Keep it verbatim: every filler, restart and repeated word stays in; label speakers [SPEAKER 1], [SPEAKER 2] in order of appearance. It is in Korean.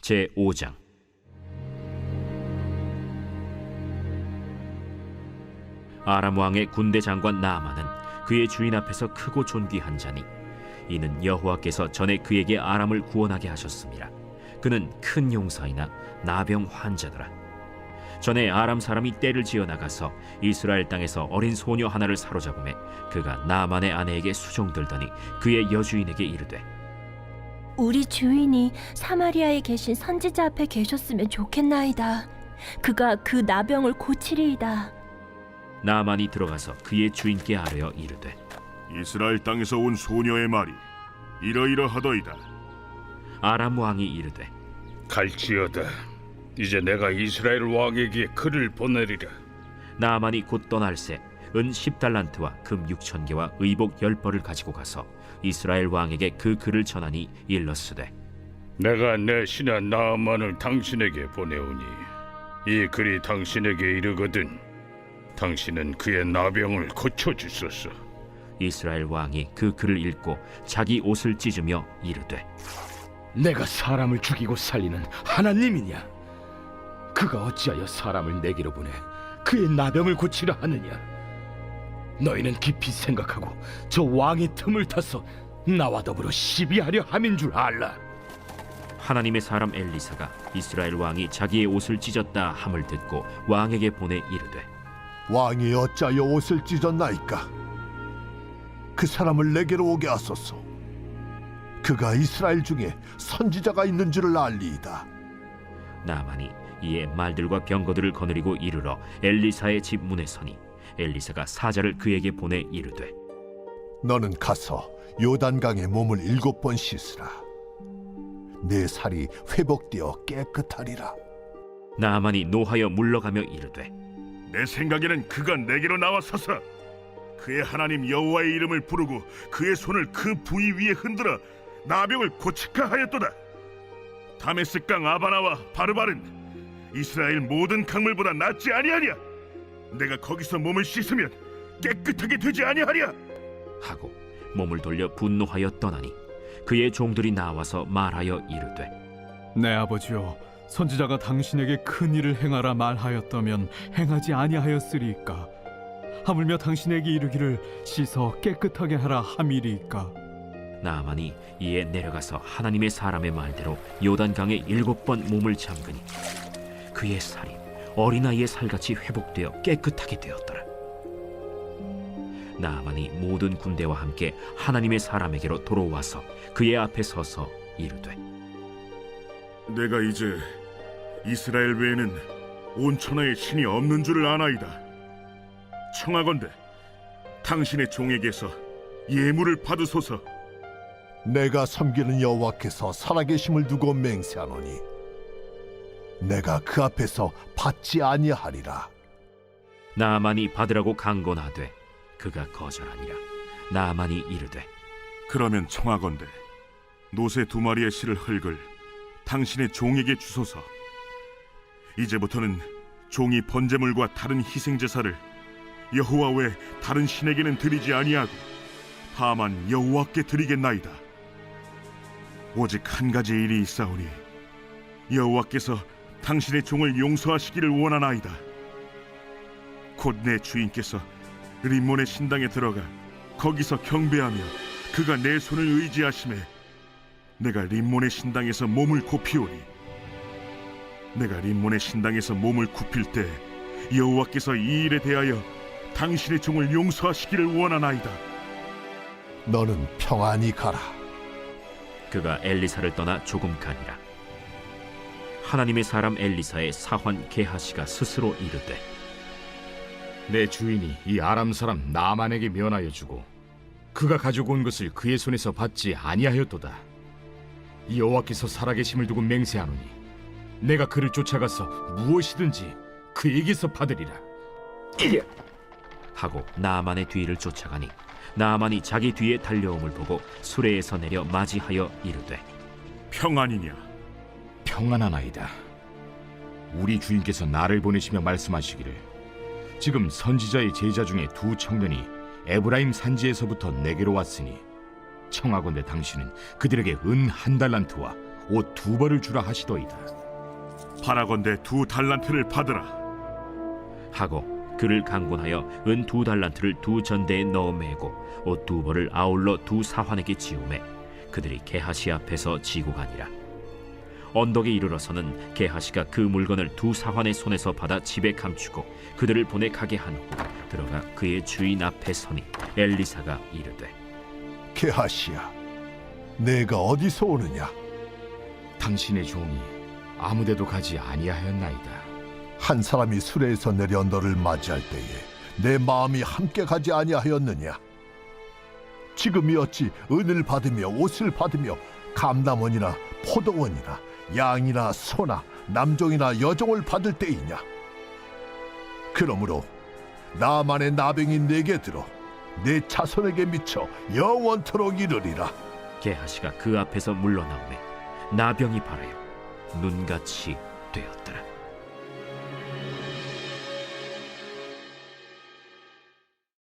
[SPEAKER 1] 제오 장. 아람 왕의 군대 장관 나아만은 그의 주인 앞에서 크고 존귀한 자니 이는 여호와께서 전에 그에게 아람을 구원하게 하셨습니다. 그는 큰 용사이나 나병 환자더라. 전에 아람 사람이 떼를 지어 나가서 이스라엘 땅에서 어린 소녀 하나를 사로잡음에 그가 나아만의 아내에게 수종들더니 그의 여주인에게 이르되,
[SPEAKER 2] 우리 주인이 사마리아에 계신 선지자 앞에 계셨으면 좋겠나이다. 그가 그 나병을 고치리이다.
[SPEAKER 1] 나아만이 들어가서 그의 주인께 아뢰어 이르되,
[SPEAKER 3] 이스라엘 땅에서 온 소녀의 말이 이러이러하더이다.
[SPEAKER 1] 아람 왕이 이르되,
[SPEAKER 4] 갈지어다. 이제 내가 이스라엘 왕에게 글을 보내리라.
[SPEAKER 1] 나아만이 곧 떠날새 은 십 달란트와 금 육천 개와 의복 열 벌을 가지고 가서 이스라엘 왕에게 그 글을 전하니 일렀으되,
[SPEAKER 4] 내가 내 신하 나아만을 당신에게 보내오니 이 글이 당신에게 이르거든 당신은 그의 나병을 고쳐주소서.
[SPEAKER 1] 이스라엘 왕이 그 글을 읽고 자기 옷을 찢으며 이르되,
[SPEAKER 5] 내가 사람을 죽이고 살리는 하나님이냐? 그가 어찌하여 사람을 내게로 보내 그의 나병을 고치려 하느냐? 너희는 깊이 생각하고 저 왕의 틈을 타서 나와 더불어 시비하려 함인 줄 알라.
[SPEAKER 1] 하나님의 사람 엘리사가 이스라엘 왕이 자기의 옷을 찢었다 함을 듣고 왕에게 보내 이르되,
[SPEAKER 6] 왕이 어찌하여 옷을 찢었나이까? 그 사람을 내게로 오게 하소서. 그가 이스라엘 중에 선지자가 있는 줄을 알리이다.
[SPEAKER 1] 나아만이 이에 말들과 병거들을 거느리고 이르러 엘리사의 집 문에 서니 엘리사가 사자를 그에게 보내 이르되,
[SPEAKER 6] 너는 가서 요단강에 몸을 일곱 번 씻으라. 내 살이 회복되어 깨끗하리라.
[SPEAKER 1] 나아만이 노하여 물러가며 이르되,
[SPEAKER 3] 내 생각에는 그가 내게로 나와서서 그의 하나님 여호와의 이름을 부르고 그의 손을 그 부위 위에 흔들어 나병을 고칠까 하였도다. 다메스강 아바나와 바르바른 이스라엘 모든 강물보다 낫지 아니하냐? 내가 거기서 몸을 씻으면 깨끗하게 되지 아니하랴?
[SPEAKER 1] 하고 몸을 돌려 분노하여 떠나니 그의 종들이 나와서 말하여 이르되,
[SPEAKER 7] 내 아버지여, 선지자가 당신에게 큰 일을 행하라 말하였다면 행하지 아니하였으리이까? 하물며 당신에게 이르기를 씻어 깨끗하게 하라 함이리이까?
[SPEAKER 1] 나아만이 이에 내려가서 하나님의 사람의 말대로 요단강에 일곱 번 몸을 잠그니 그의 살이 어린아이의 살같이 회복되어 깨끗하게 되었더라. 나아만이 모든 군대와 함께 하나님의 사람에게로 돌아와서 그의 앞에 서서 이르되,
[SPEAKER 3] 내가 이제 이스라엘 외에는 온 천하에 신이 없는 줄을 아나이다. 청하건대 당신의 종에게서 예물을 받으소서.
[SPEAKER 6] 내가 섬기는 여호와께서 살아계심을 두고 맹세하노니 내가 그 앞에서 받지 아니하리라.
[SPEAKER 1] 나아만이 받으라고 강권하되 그가 거절하니라. 나아만이 이르되,
[SPEAKER 3] 그러면 청하건대 노새 두 마리의 실을 흙을 당신의 종에게 주소서. 이제부터는 종이 번제물과 다른 희생제사를 여호와 외 다른 신에게는 드리지 아니하고 다만 여호와께 드리겠나이다. 오직 한 가지 일이 있사오니 여호와께서 당신의 종을 용서하시기를 원하나이다. 곧 내 주인께서 림몬의 신당에 들어가 거기서 경배하며 그가 내 손을 의지하심에 내가 림몬의 신당에서 몸을 굽히오니 내가 림몬의 신당에서 몸을 굽힐 때 여호와께서 이 일에 대하여 당신의 종을 용서하시기를 원하나이다.
[SPEAKER 6] 너는 평안히 가라.
[SPEAKER 1] 그가 엘리사를 떠나 조금 가니라. 하나님의 사람 엘리사의 사환 게하시가 스스로 이르되,
[SPEAKER 5] 내 주인이 이 아람 사람 나아만에게 면하여 주고 그가 가지고 온 것을 그의 손에서 받지 아니하였도다. 이 여호와께서 살아계심을 두고 맹세하노니 내가 그를 쫓아가서 무엇이든지 그에게서 받으리라.
[SPEAKER 1] 하고 나아만의 뒤를 쫓아가니 나아만이 자기 뒤에 달려옴을 보고 수레에서 내려 맞이하여 이르되,
[SPEAKER 3] 평안이냐?
[SPEAKER 5] 평안하나이다. 우리 주인께서 나를 보내시며 말씀하시기를 지금 선지자의 제자 중에 두 청년이 에브라임 산지에서부터 내게로 왔으니 청하건대 당신은 그들에게 은 한 달란트와 옷 두 벌을 주라 하시도이다.
[SPEAKER 3] 바라건대 두 달란트를 받으라.
[SPEAKER 1] 하고 그를 강권하여 은 두 달란트를 두 전대에 넣어 매고 옷 두 벌을 아울러 두 사환에게 지우매 그들이 게하시 앞에서 지고 가니라. 언덕에 이르러서는 게하시가 그 물건을 두 사환의 손에서 받아 집에 감추고 그들을 보내 가게 한 후 들어가 그의 주인 앞에 서니 엘리사가 이르되
[SPEAKER 6] 게하시야, 내가 어디서 오느냐?
[SPEAKER 5] 당신의 종이 아무데도 가지 아니하였나이다.
[SPEAKER 6] 한 사람이 수레에서 내려 너를 맞이할 때에 내 마음이 함께 가지 아니하였느냐? 지금이 어찌 은을 받으며 옷을 받으며 감남원이나 포도원이나 양이나 소나 남종이나 여종을 받을 때이냐? 그러므로 나만의 나병이 내게 들어 내 자손에게 미쳐 영원토록 이르리라.
[SPEAKER 1] 게하시가 그 앞에서 물러나오매 나병이 발하여 눈같이 되었더라.